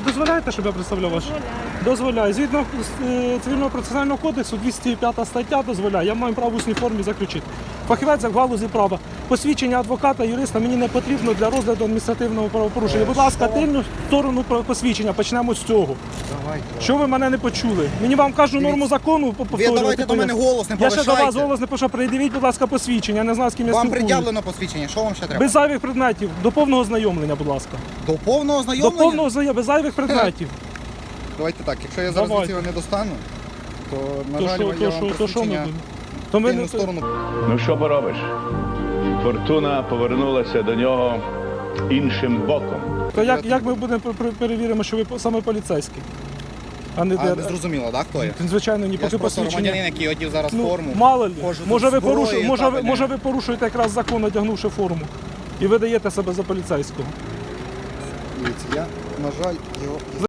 дозволяєте, щоб я представляв вас? Дозволяю. Згідно Цивільного процесуального кодексу, 205 стаття дозволяє. Я маю право в усній формі заключити. Фахівець в галузі права. Посвідчення адвоката, юриста мені не потрібно для розгляду адміністративного правопорушення. Будь ласка, тильну сторону посвідчення. Почнемо з цього. Що ви мене не почули? Мені вам кажу норму закону повторювати. Ви давайте до мене голос не Я повишайте. ще до вас голос не пишу. Придивіть, будь ласка, посвідчення. Я не знаю, з ким я Вам спілкуюсь. пред'явлено посвідчення, що вам ще треба? Без зайвих предметів. До повного ознайомлення, будь ласка. До повного До ознайомлення? повного ознайомлення, без зайвих предметів. Давайте так, якщо я зараз Давайте. його не достану, то, на То жаль, що, я то вам що, то що ми посвідчення будемо? То ми тильну не... сторону. Ну що поробиш? Фортуна повернулася до нього іншим боком. То як ми будемо перевіримо, що ви саме поліцейський? А не А, зрозуміло, так, хто я? Звичайно, ні, Я поки ж просто посвідчення. громадянин, який одів зараз Ну, форму. мало ли, Ходжу може тут ви, зброї, порушуєте, табельне. може ви порушуєте якраз закон, одягнувши форму. І видаєте себе за поліцейського. Дивіться, я, на жаль, його...